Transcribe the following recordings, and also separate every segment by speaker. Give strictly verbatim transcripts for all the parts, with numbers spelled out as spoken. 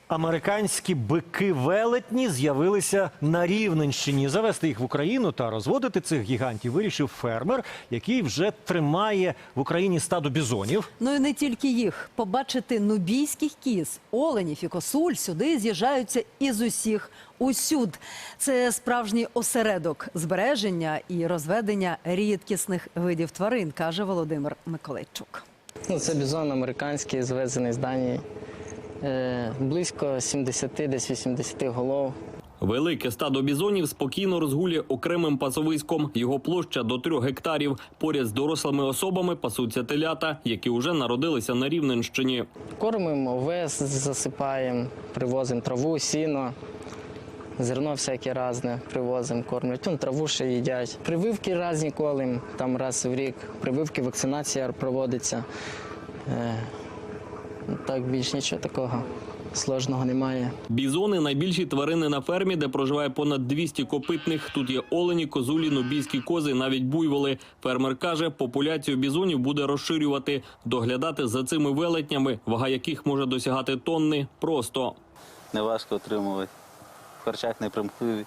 Speaker 1: Американські бики-велетні з'явилися на Рівненщині. Завести їх в Україну та розводити цих гігантів вирішив фермер, який вже тримає в Україні стадо бізонів.
Speaker 2: Ну і не тільки їх. Побачити нубійських кіз, оленів і косуль сюди з'їжджаються із усіх усюд. Це справжній осередок збереження і розведення рідкісних видів тварин, каже Володимир Миколайчук.
Speaker 3: Ну, це бізон американський, звезений з Данії. Е, близько сімдесят, десь вісімдесят голов.
Speaker 4: Велике стадо бізонів спокійно розгулює окремим пасовиськом. Його площа до трьох гектарів. Поряд з дорослими особами пасуться телята, які вже народилися на Рівненщині.
Speaker 3: Кормимо овес, засипаємо, привозимо траву, сіно, зерно всяке різне привозимо, кормлять. Вон траву ще їдять. Прививки різні колем, там раз в рік. Прививки, вакцинація проводиться. Е, так, більш нічого такого сложного немає.
Speaker 4: Бізони – найбільші тварини на фермі, де проживає понад двісті копитних. Тут є олені, козулі, нубійські кози, навіть буйволи. Фермер каже, популяцію бізонів буде розширювати. Доглядати за цими велетнями, вага яких може досягати тонни, просто.
Speaker 5: Неважко отримувати. В харчах не примхливі.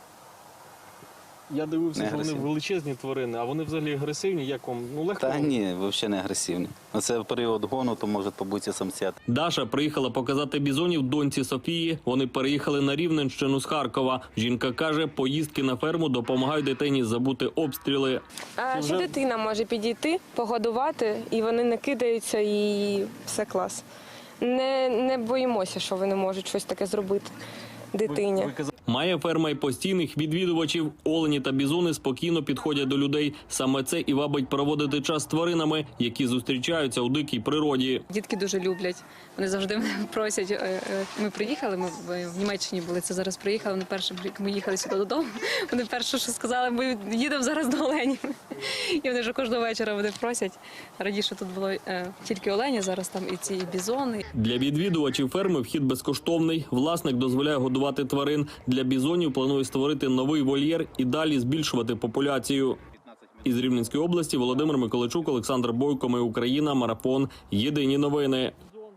Speaker 6: Я дивився, що вони величезні тварини, а вони взагалі агресивні. Як вам? Ну, легко?
Speaker 5: Та ні, взагалі не агресивні. Оце в період гону, то можуть побути самцят.
Speaker 4: Даша приїхала показати бізонів доньці Софії. Вони переїхали на Рівненщину з Харкова. Жінка каже, поїздки на ферму допомагають дитині забути обстріли.
Speaker 7: А ще дитина може підійти, погодувати, і вони не кидаються, і все клас. Не, не боїмося, що вони можуть щось таке зробити дитині.
Speaker 4: Має ферма й постійних відвідувачів. Олені та бізони спокійно підходять до людей. Саме це і вабить проводити час з тваринами, які зустрічаються у дикій природі.
Speaker 8: Дітки дуже люблять. Вони завжди мене просять. Ми приїхали, ми в Німеччині були, це зараз приїхали. Вони перше, ми їхали сюди додому. Вони перше, що сказали, ми їдемо зараз до оленів. І вони вже кожного вечора вони просять. Раніше тут було тільки олені, зараз там і ці бізони.
Speaker 4: Для відвідувачів ферми вхід безкоштовний. Власник дозволяє годувати тварин. Для бізонів планує створити новий вольєр і далі збільшувати популяцію. Із Рівненської області Володимир Миколайчук, Олександр Бойко, Ми Україна, Марафон. Єдині новини.